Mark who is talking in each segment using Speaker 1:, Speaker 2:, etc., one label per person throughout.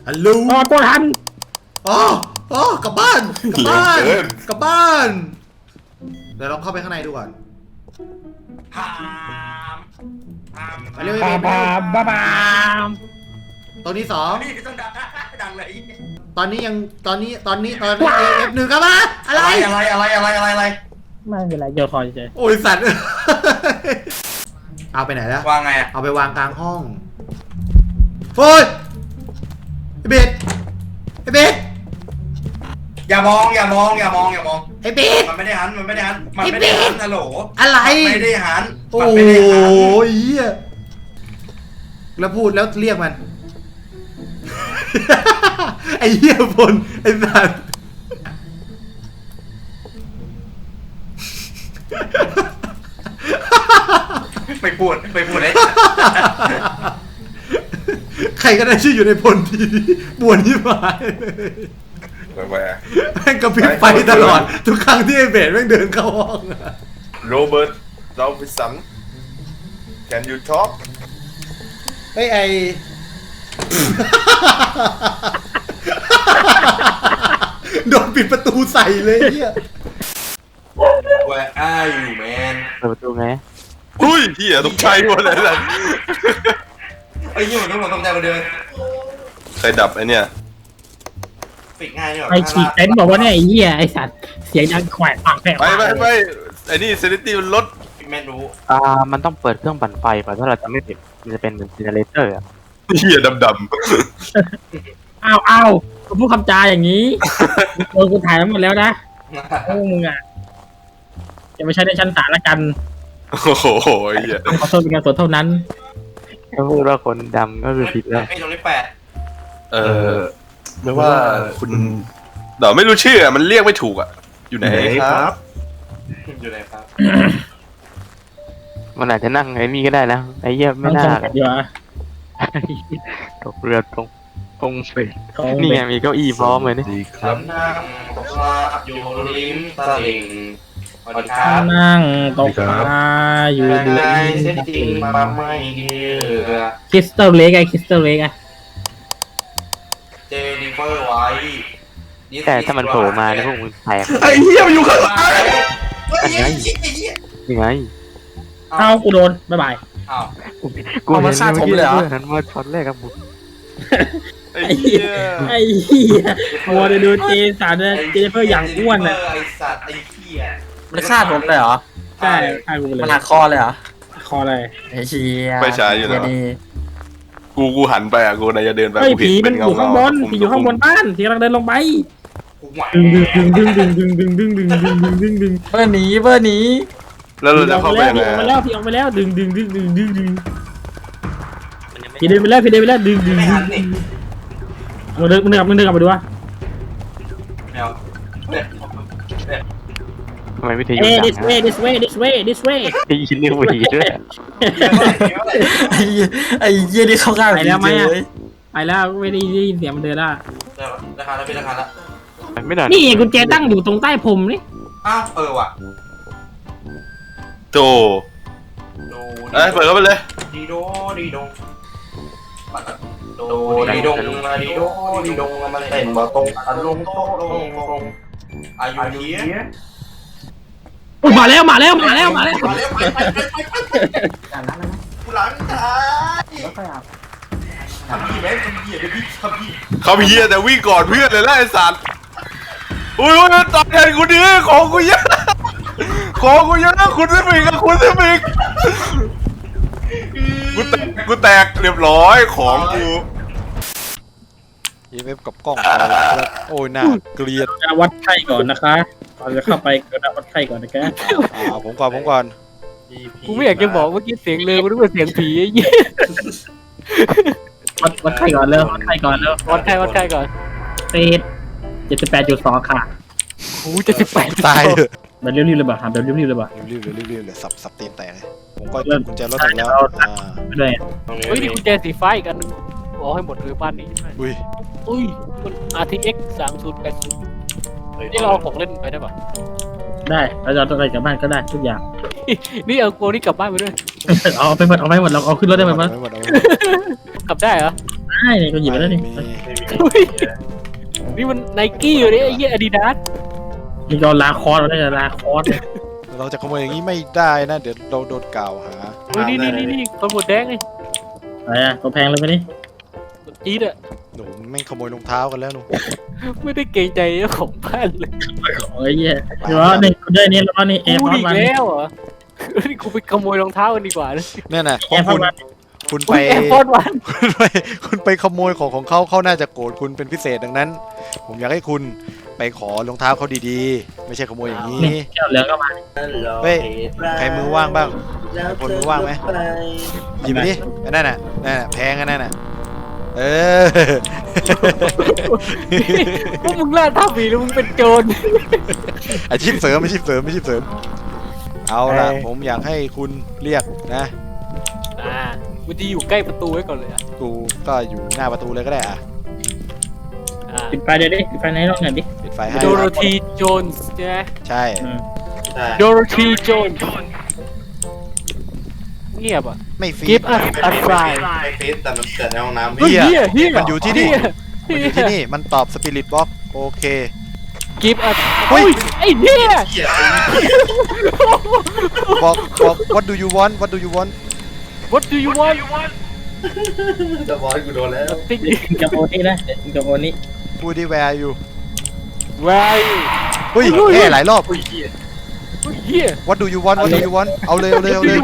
Speaker 1: ฮัลโหล
Speaker 2: ตัวทัน
Speaker 1: อ๋อกลับบ้านกลับบ้านกลับบ้านเดี๋ยวเราเข้าไปข้างในดูก่อนไปเร็ว
Speaker 2: บาบาบา
Speaker 1: ตัวที่สอง
Speaker 3: นี่ต้องดังเลย
Speaker 1: ตอนนี้F1ครับมาอะไร
Speaker 3: อะไร
Speaker 2: ไม่เป็นไรเดี๋ยวคอยเฉย
Speaker 1: โอ้ยสัตว์ เอาไปไหนแล้ว
Speaker 3: วางไง
Speaker 1: เอาไปวางกลางห้องโอ้ยไอ้เบส
Speaker 3: อย่ามอง
Speaker 1: ไอ้เบส
Speaker 3: มันไม่ได้หันฮัลโหล
Speaker 1: อะไร
Speaker 3: ไม่ได้หัน
Speaker 1: โอ้ยเหี้ยแล้วพูดแล้วเรียกมัน ไอ้เหี้ยพลไอ้สัตว์
Speaker 3: ไม่พูดเลย
Speaker 1: ใครก็ได้ชื่ออยู่ในพลทีปวดที่หมาย
Speaker 4: แหว
Speaker 1: แม่งกระพริบไฟตลอด ทุกครั้งที่ไอ้เบสแม่งเดินเข้าห้องอะ
Speaker 4: โรเบิร์ตดอลฟิสัน can you talk
Speaker 1: ไอ้ โดนปิดประตูใส่เลยเฮีย
Speaker 3: Where are you man
Speaker 2: เปิดประตูไง
Speaker 4: อุ้ยเหี้ยตกใจหมดเลยนะ
Speaker 3: ไอ้ยี่มันต้องใจมาเดิน
Speaker 4: ใครดับไอเนี่ย
Speaker 3: ปิดง่ายนี่หรอ
Speaker 2: ไอฉีกเต็นท์บอกว่าเนี่ยไอ้เหี้ยไอสัตว์เสียงดังแขวะปากแผล
Speaker 4: ไปไอ้นี่เซนิตี้มันลด
Speaker 3: แม่รู้
Speaker 5: มันต้องเปิดเครื่องปั่นไฟก่อนถ้าเราจะไม่ผิดมันจะเป็นเหมือนเจเนเรเตอร์อะ
Speaker 4: เหี้ยดำ
Speaker 2: อ้าวกูพูดคำจาอย่างนี้โดนกูถ่ายทั้งหมดแล้วนะพวกมึงอ่ะจะไม่ใช่ในชั้นศาลละกัน
Speaker 4: ๆโอ้โหเหี้ย
Speaker 2: ขอโทษเป็นการสนเท่านั้น
Speaker 5: ถ้าพูดว่าคนดำก็คือผิดแล้ว
Speaker 3: ไอ้ตรงนี้แปด
Speaker 4: ไม่ว่าคุณเดี๋ยวไม่รู้ชื่อมันเรียกไม่ถูกอ่ะอยู่ไหนครับ
Speaker 3: อยู่ไหนครับ
Speaker 5: มันอาจจะนั่งไอ้นี่ก็ได้นะไอ้เหี้ยไม่
Speaker 2: ต้อง
Speaker 5: น่า
Speaker 2: จำกัดดีกว่า
Speaker 5: ตกเรือตรงเฟร
Speaker 2: ของ
Speaker 5: นี่
Speaker 2: เบ
Speaker 5: ไงมีเก้าอี้พร้อมเลยนี่
Speaker 4: ดีค
Speaker 3: ฉั
Speaker 4: รับ
Speaker 3: นนั่งตกปลาอยู่ริมตลิ่งสวัสดีครับ
Speaker 2: นั่งตกปลาอยู่
Speaker 3: ใน
Speaker 2: ดี
Speaker 3: เส้นจริงมาไม่เชื่อ
Speaker 2: คริสตัลเล็กไอคริสตัลเล็กอะ
Speaker 3: เจนิเฟอร์ไว้
Speaker 5: แต่ถ้ามันโผล่มาเนี่ยพวกมึงแตก
Speaker 4: ไอ้เหี้ยมันอยู่ข้างหลัง
Speaker 5: ยังไง
Speaker 2: เอากูโดนบ๊ายบาย
Speaker 3: อ้าว
Speaker 5: กูเห็นเมื่อกี้เพื่อนนั้นว่าช็อตแรกกับบุก
Speaker 4: ไอ้เหี้ย
Speaker 2: ไอ้เหี้ยมัวแต่ดูเจสันเจเฟอร์อย่างอ้วนอ่ะ
Speaker 3: ไอ้สัตว์ไอ้เหี้ย
Speaker 6: มันฆ่าผมเลยเหรอ
Speaker 2: ใช่ฆ่ากูเลย
Speaker 6: มันหักคอเลยเหรอ
Speaker 2: คออะไร
Speaker 6: ไอ้เชีย
Speaker 4: ไปฉายอยู่แล้ว
Speaker 6: ดี
Speaker 4: กูหันไปอ่ะกูนายจะเดินไป
Speaker 2: เฮ้ย
Speaker 4: กูเห็น
Speaker 2: ผีมัน
Speaker 4: เป็น
Speaker 2: อยู่ข้างบนผีอยู่ข้างบนบ้านผีกำลังเดินลงไป
Speaker 3: กูไหว
Speaker 2: ดึงดึง
Speaker 6: เบอร์หนีเบอร์หนี
Speaker 4: แล้วเราจะเข้าไปยังไง
Speaker 2: ผีออกไปแล้วผีออกไปแล้วดึงผีเดินไปแล้วดึง
Speaker 3: ไม่หันนี่
Speaker 2: มึงเดินกลับมาดูวะ
Speaker 3: แมวเนี่ย
Speaker 5: ทำไมวิทยุ
Speaker 2: เอ้
Speaker 5: ดัง
Speaker 2: this way
Speaker 5: ไอ้ยินเรียกว่าดีด้วย
Speaker 6: ไอ้เหี้ยนี่เข้าข้าง
Speaker 2: ไปแล้วไหม
Speaker 6: ผี
Speaker 2: อะ
Speaker 6: เลย
Speaker 2: ไปแล้วไม่ได้ยินเสียงมันเดินละ
Speaker 3: ราคาแล้วเป็นราคาแล้ว
Speaker 5: ไม่นาน
Speaker 2: นี่กุญแจตั้งอยู่ตรงใต้ผมนี่
Speaker 3: อ้าวว่ะ
Speaker 4: โจเอ้ยเปิดเข้าไปเลย
Speaker 3: ดีโดดีดงโดดีดงดีโดดีดงมันเต้นมาตรงอันลงโตลงอายุนี้
Speaker 2: อุ้ยมาแล้ว
Speaker 3: ไปกูหลังท้าย ทำพี่แม่ทำพี่เดี๋ยวพี่ทำพี่
Speaker 4: เขาเฮียแต่วิ่งก่อนเพื่อนเลยล่ะไอ้สัตว์อุ้ยตอบแทนกูดิของกูเยอะคุณสมิงกับคุณสมิงกูแตกเรียบร้อยของกู
Speaker 7: EMF กับกล้องอะไรครับโอ้ยน่าเกลียด
Speaker 2: จะวัดไข้ก่อนนะคะเราจะเข้าไปก็วัดไข้ก่อนนะแก
Speaker 7: ผมก่อน
Speaker 5: กูไม่อยากจะบอกเมื่อกี้เสียงเลยกูนึกว่าเสียงผีไอ้เหี้ย
Speaker 2: วัดไข้ก่อนเร็ววัดไข้ก่อนเร็ว
Speaker 5: วัดไข้ก่อน
Speaker 2: เศษ78.2ค่ะ
Speaker 5: กู78
Speaker 7: ตายเถอะ
Speaker 2: แบบรีบๆเลยบ่ะแบบรีบๆเลยบ่ะ
Speaker 7: รีบเลยสับตีนแตกเลยผมก็กุญแจรถถึงแล้ว
Speaker 2: ไม่ได้
Speaker 5: เฮ้ยนี่กุญแจสีฟ้าอีกอันนึงบอกให้หมดเลยบ้านนี้
Speaker 7: อุ้ย
Speaker 5: อุ้ยมัน RTX 3080นี่เราเอาของเล่นไปได้ปะ
Speaker 2: ได้เราจะเอาอะไรกลับบ้านก็ได้ทุกอย่าง
Speaker 5: นี่เอาโกนี่กลับบ้านไปด้วย
Speaker 2: เอาไปหมดเราเอาขึ้นรถได้ไหมมั้ย
Speaker 7: ไม่หมด
Speaker 5: กลับได้เหรอ
Speaker 2: ไได้นี่ก็หยิบไปแล้วนี่
Speaker 7: มี
Speaker 5: นี่มันไนกี้อยู่เนี่ยไอ้เหี้ยอาดิดาส
Speaker 2: นี่เราลาคอร์สเราได้ลาคอร์ส
Speaker 7: เราจะขโมยอย่างนี้ไม่ได้นะเดี๋ยวเราโดนกล่าวหา
Speaker 5: นี่คนหมดแดงไง
Speaker 2: อะไรอ่ะตัวแพงเลยไปนี่
Speaker 5: อีดอะ
Speaker 7: หนูแม่งขโมยรองเท้ากันแล้วหนู
Speaker 5: ไม่ได้เกรงใจเจ้าของบ้านเลย
Speaker 2: โอ้ยเหี้ยเดี๋ยวนี่กูได้นี่แล้วนี่แอร์พ
Speaker 5: พู
Speaker 2: อ
Speaker 5: ด
Speaker 2: ร์ต
Speaker 5: อีก
Speaker 2: วัน
Speaker 5: แล้วเหรอนี่กูไปขโมยรองเท้ากันดีกว่านะ
Speaker 7: เนี่ยนะเพ
Speaker 2: แอ
Speaker 7: ราะ
Speaker 2: ร์พอร์ตวัน
Speaker 7: คุณ
Speaker 5: อุ้
Speaker 7: ไป
Speaker 5: ยแอร์พอร์ตวัน
Speaker 7: คุณไปขโมยของเขาเขาน่าจะโกรธคุณเป็นพิเศษดังนั้น ผมอยากให้คุณไปขอรองเท้าเขาดีๆ ไม่ใช่ขโมยอย่างนี้
Speaker 2: นี่แก้วเหลืองก็มา
Speaker 7: เฮ้ยใครมือว่างบ้างคนมือว่างไหมหยิบไปดิอันนั่นน่ะแพงอันนั่นน่ะเออ
Speaker 5: พวกมึงล่าท่าผีแล้วมึงเป็นโจร
Speaker 7: อาชีพเสริมเอาล่ะผมอยากให้คุณเรียกนะ
Speaker 5: มันจะอยู่ใกล้ประตูไว้ก่อนเลยอ่ะ
Speaker 7: กูก็อยู่หน้าประตูเลยก็ได้อ่ะ
Speaker 2: ปิดไฟเดี๋ยวดิปิดไฟในห้องหน่อยดิ
Speaker 7: ปิดไฟให้
Speaker 5: โดโรธีโจนส์ใช่ไหม
Speaker 7: ใช่
Speaker 3: ใช่
Speaker 5: โดโรธีโจนส์เงียบอ่ะ
Speaker 7: ไม่ฟรี
Speaker 5: Give us a try
Speaker 3: ไม่ฟิตแต่มันเกิดในห้องน้ำ
Speaker 7: เฮ้ย
Speaker 5: เฮีย
Speaker 7: มันอยู่ที่นี่
Speaker 5: เหี้
Speaker 7: มันอยู่ที่นี่มันตอบสปิริตบ็อกโอเค
Speaker 5: Give us
Speaker 7: เฮ้ย
Speaker 5: ไอ้เหี้ย
Speaker 3: เหี้ย
Speaker 7: บอก what do you want
Speaker 5: What do you want
Speaker 3: จะบอสกูโดนแล้ว
Speaker 5: ติ๊ก
Speaker 2: กินกับโอนี่นะกินกับโอนี่
Speaker 7: พูดที่ where are you
Speaker 5: Where are you
Speaker 7: เฮ้ยแค่หลายรอบ
Speaker 3: อุ้ยเหี้ย
Speaker 5: เฮีย
Speaker 7: what do you want what do you want เอาเลย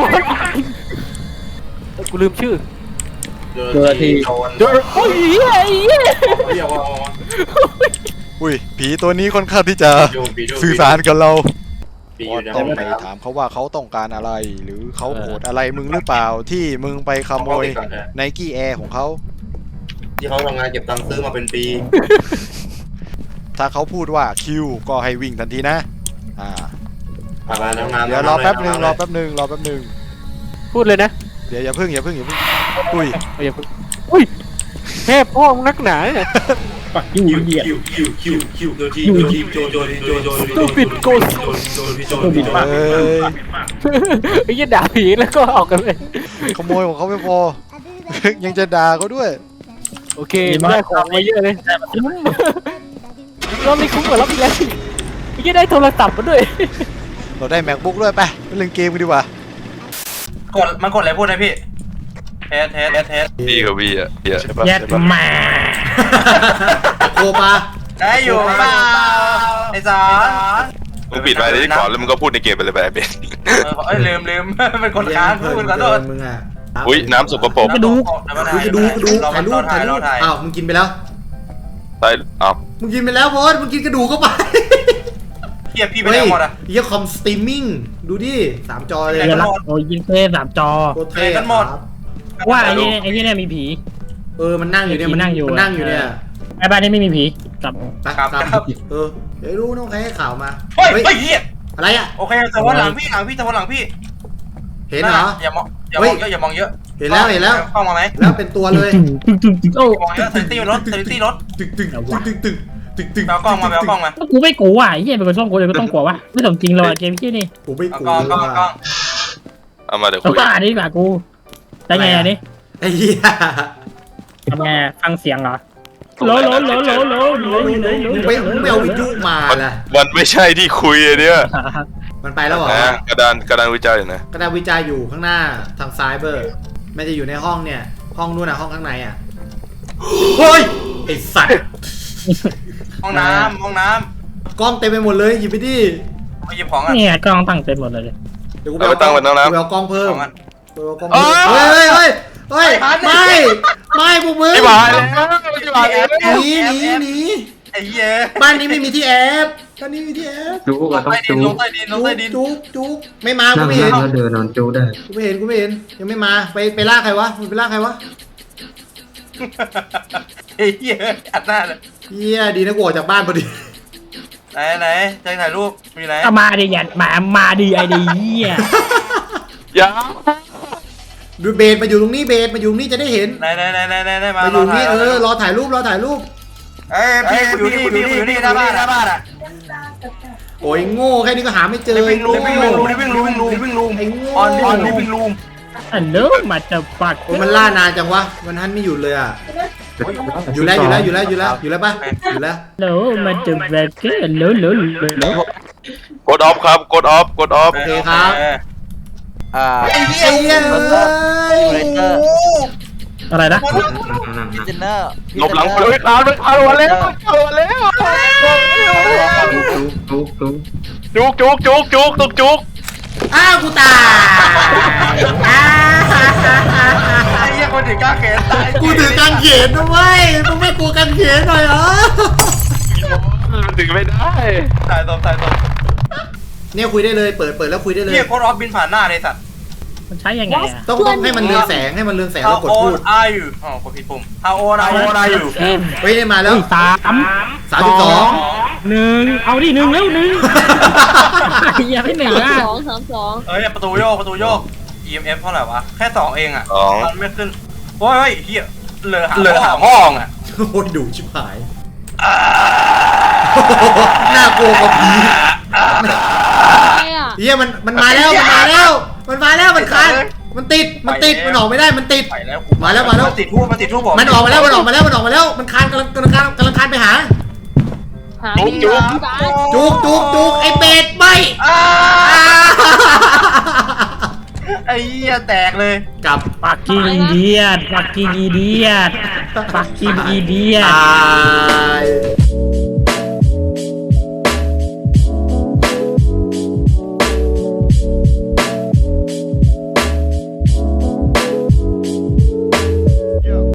Speaker 5: กูลืมชื่อ
Speaker 3: โดนทีโดน
Speaker 5: โดโอ้ยเฮียไอ้เฮีย
Speaker 3: เรียกว่า
Speaker 7: อุ้ยผีตัวนี้ค่อนข้างที่จะ
Speaker 3: โยนปีโดน
Speaker 7: สื่อสารกับเรา
Speaker 3: ปีอยู่ในห้
Speaker 7: ต้
Speaker 3: อ
Speaker 7: อง งไป
Speaker 3: น้ำ
Speaker 7: ถามเขาว่าเขาต้องการอะไร หรือเขาโกรธอะไรมึงหรือเปล่าที่มึงไปขโมยไนกี้แอร์ของเขา
Speaker 3: ที่เขาทำงานเก็บตังค์ซื้อมาเป็นปี
Speaker 7: ถ้าเขาพูดว่าคิวก็ให้วิ่งทันทีนะ
Speaker 3: ผ่านมาน้ำน้ำ
Speaker 7: เดี๋ยวรอแป๊บหนึ่ง
Speaker 5: พูดเลยนะ
Speaker 7: เดี๋ยวอย่าเพิ่งอุ้ย
Speaker 5: อย่าพูดอุ้ยแค่พ่อมึงนักหนาเนี่ย
Speaker 2: ปักยูเหี้ย
Speaker 3: คิวโดนทีโจน
Speaker 5: ตูปิดโกส
Speaker 7: เอ้ย
Speaker 5: ไอ้เหี้ยด่าผีแล้วก็ออกกันเลย
Speaker 7: ขโมยของเขาไม่พอ ยังจะด่าเขาด้วย
Speaker 5: โอเคได้ของมาเยอะเลยรอบนี้คุ้มกว่ารอบที่แล้วไอ้เหี้ยได้โทรศัพท์มาด้วย
Speaker 7: เราได้ MacBook ด้วยไปเล่นเกมกันดีกว่า
Speaker 3: มันกดอะไรพูดนะพี่เทส
Speaker 4: พี่กับพี่อ่ะเหี้ย
Speaker 7: ใช่ปะ
Speaker 2: แยกมา
Speaker 1: โคปา
Speaker 3: ได้อยู่เปล่าไอ้สาร
Speaker 4: มึงปิดไปที่ก่อนแล้วมึงก็พูดในเกมไปเลยแบบเป็น
Speaker 3: ลืมเป็นคนค้างพูดขอโทษ
Speaker 1: มึงอ่ะ
Speaker 4: อุ้ยน้ำสกปรก
Speaker 1: กระดูกถ่ายรูปอ้าวมึงกินไปแล้ว
Speaker 4: ใช่อ้าว
Speaker 1: มึงกินไปแล้วโพสมึงกินกระดูกเข้าไป
Speaker 3: เฮียพี่ไปไหนหมดอ่ะ
Speaker 1: เฮียคอมสตรีมมิ่งดูดิ3 จอเลย
Speaker 2: เดี๋ยวละโอ้ยยิงเท่3 จอ
Speaker 1: โคตรเท่
Speaker 3: กันหมด
Speaker 1: ครับ
Speaker 2: ว่าไอ้นี่เนี่ยมีผี
Speaker 1: มันนั่งอยู่เนี่ยมันนั่งอยู่เนี่ย
Speaker 2: ไอ้บ้านนี้ไม่มีผีกลับ
Speaker 3: ครับ
Speaker 1: เดี๋ยวรู้น้องใครให้ข่าวมา
Speaker 3: เฮ้ยเฮีย
Speaker 1: อะไรอ่ะ
Speaker 3: โอเคแต่ว่าหลังพี่แต่ว่าหลังพี่
Speaker 1: เห็นเหรอ
Speaker 3: อย่ามองเยอะอย่ามองเยอะ
Speaker 1: เห็นแล้ว
Speaker 3: เข้ามาไหม
Speaker 1: แล้วเป็นตัวเลย
Speaker 2: ตึงโอ้
Speaker 3: มองเยอะเซนตี้รถ
Speaker 1: ตึก
Speaker 3: เอากล้องมาเอากล้องมา
Speaker 2: กูไม่กลัวอ่ะไอ้เหี้ยเป็นคนต้องกลัวเลยก็ต้องกลัววะไม่สมจริงเลยเกมที่นี่
Speaker 1: ผมไม่
Speaker 3: เอา
Speaker 1: กลั
Speaker 3: กล้อง
Speaker 1: ว
Speaker 4: เอามาเดี๋ยว
Speaker 2: เอา
Speaker 4: คุย
Speaker 2: บ้าดิดีกว่ากูได้ไงอันนี้
Speaker 1: ไอ้เหี้ย
Speaker 2: ทำไงฟังเสียงเหรอโหล
Speaker 1: ไม่เอาวิทยุมาล่ะ
Speaker 4: มันไม่ใช่ที่คุยอันเนี้ย
Speaker 1: มันไปแล้วเหรอ
Speaker 4: นะกระดานวิจัยอยู่นะ
Speaker 1: กระดาษวิจัยอยู่ข้างหน้าทางซ้ายเบอร์ไม่จะอยู่ในห้องเนี่ยห้องนู้นน่ะห้องข้างในอ่ะเฮ้ยไอ้สัตว์
Speaker 3: ห้องน้ำ
Speaker 1: กล้องเต็มไปหมดเลยหยิบไปดิ
Speaker 3: ไปหยิบของอ่ะ
Speaker 2: เนี่ยกล้องตั้งเต็มหมดเลย
Speaker 1: เดี๋ยวกูไปเอากล้องเพิ่มเฮ้ยไม่พวกมึง
Speaker 4: ไอ้หมาแล้วไอ้หมาแล้ว
Speaker 1: หนี
Speaker 3: ไอ้เหี้ย
Speaker 1: บ้านนี้ไม่มีที่แอบบ้านนี้มีที่แอบ
Speaker 6: จูก็ต้องจู
Speaker 3: ลงใต้ดิน
Speaker 1: จุกไม่มากู
Speaker 6: นั่ง
Speaker 1: ไม่เห็น
Speaker 6: แล้วเดินนอนจูได้
Speaker 1: กูไม่เห็นยังไม่มาไปล่าใครวะมึงไปล่าใครวะ
Speaker 3: ไอ้เหี้ยอัดหน้าเลย
Speaker 1: เฮียดีนะกูออกจากบ้านพอดี
Speaker 3: ไหนใจถ่ายรูปมีไหน
Speaker 2: เอามาดิอย่ามาดิไอ้ดิเหี้ย
Speaker 4: อย่า
Speaker 1: ดูเบสมาอยู่ตรงนี้เบสมาอยู่ตรงนี้จะได้เห็น
Speaker 3: ไหนมา
Speaker 1: มาอยู่นี่รอถ่ายรูป
Speaker 3: เอ้ยพี่อยู่นี่หน้าบ้านอ่ะ
Speaker 1: โอ้ยโง่แค่นี้ก็หาไม่เจอ
Speaker 3: วิ่งลูม
Speaker 1: ไอ้โง่
Speaker 3: ออนลิฟวิ่งลูม
Speaker 2: อันเลิศมาจะปัก
Speaker 1: โอ้ยมันล่านานจังวะมันทันไม่หยุดเลยอ่ะอยู่แล้วปะอยู่แล้ว
Speaker 2: โหลมาจุดแบกเกอร์โหล
Speaker 4: กดออฟครับกดออฟกดออฟ
Speaker 1: โอเคครับ ไอ้เหี้ย
Speaker 2: อะไรนะ
Speaker 4: หลบหลังเลยคานมันคานมาแล้วจุกจุก
Speaker 1: อ้าวกูตายอ้า
Speaker 3: ไอ้เหี้ยคนถึงกล้าแขนตาย
Speaker 1: กูถือกางเขนนะเว้ยมึงไม่กลัวกางเขนหน่อยเหรอ
Speaker 4: ถึงไม่ได้
Speaker 3: ตายตบ
Speaker 1: เนี่ยคุยได้เลยเปิดแล้วคุยได้เลย
Speaker 3: เหี้ยโคตรออฟบินผ่านหน้าเลยสัตว์
Speaker 2: มันใช้ยังไงอ่ะ
Speaker 1: ต้องให้มันเรืองแสงแล้วกดพูด
Speaker 3: are you อ๋อกดผิดปุ่ม How old are you
Speaker 1: เฮ้ยได้มาแล้ว
Speaker 2: 32 1เอาดิ1แล้ว1อย่าให้1อ่ะ
Speaker 3: เอ้ยประตูโยก EMF เท่าไหร่วะแค่2เองอ่ะ
Speaker 4: 2
Speaker 3: มันไม่ขึ้นโอ้ยเหี้ยเหลือหาห้องอ่ะ
Speaker 1: โอ้ยดุชิบหายน่ากลัวกว่าผีเฮียมันมาแล้วมันคานมันติดมันออกไม่ได้มันติด
Speaker 3: ไปแล้ว
Speaker 1: มาแล้ว
Speaker 3: มันติดทูบผม
Speaker 1: มันออกมาแล้วมันคานกำลังคานไปหาจุกไอเป็ดไม่
Speaker 3: ไอ้เหี้ยแตกเลย
Speaker 1: กลับ
Speaker 2: ปักกิ้งอีเดียดปักกิ้งอีเดียด
Speaker 1: ตาย